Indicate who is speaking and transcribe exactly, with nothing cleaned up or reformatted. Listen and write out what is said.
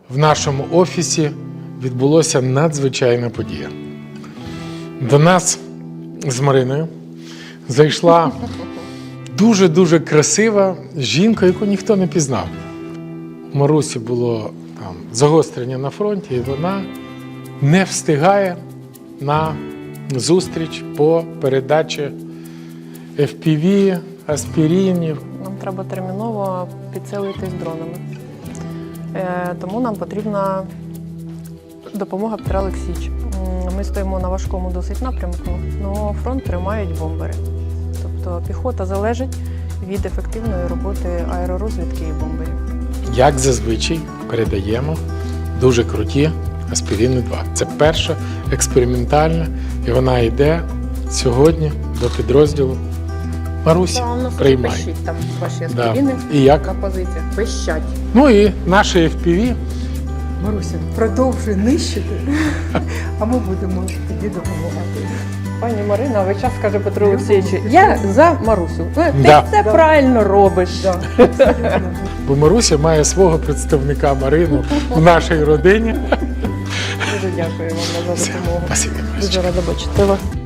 Speaker 1: в нашому офісі відбулася надзвичайна подія. До нас з Мариною зайшла дуже-дуже красива жінка, яку ніхто не пізнав. У Марусі було там загострення на фронті, і вона не встигає на зустріч по передачі еф пі ві, аспіринів.
Speaker 2: Нам треба терміново підсилитись дронами. Е, тому нам потрібна допомога Петра Олексійовича. М, Ми стоїмо на важкому досить напрямку, але фронт тримають бомбери. Тобто піхота залежить від ефективної роботи аеророзвідки і бомберів.
Speaker 1: Як зазвичай передаємо дуже круті аспірини два. Це перша експериментальна, і вона йде сьогодні до підрозділу. Маруся,
Speaker 3: Да, у нас
Speaker 1: приймай.
Speaker 3: пищить там ваші
Speaker 1: Да.
Speaker 3: аспірини
Speaker 1: І як?
Speaker 3: на позиціях. Пищать.
Speaker 1: Ну і наше еф пі ві.
Speaker 4: Маруся, продовжуй нищити, а ми будемо тоді допомагати.
Speaker 2: Пані Марина весь час каже Петру Олексійовичу, я за Марусю. Ти
Speaker 1: Да.
Speaker 2: все
Speaker 4: Да.
Speaker 2: правильно робиш.
Speaker 4: Да, абсолютно.
Speaker 1: Бо Маруся має свого представника Марину в нашій родині.
Speaker 2: Дуже дякую вам за допомогу.
Speaker 1: Спасибі, Марусечка.
Speaker 2: Дуже рада бачити вас.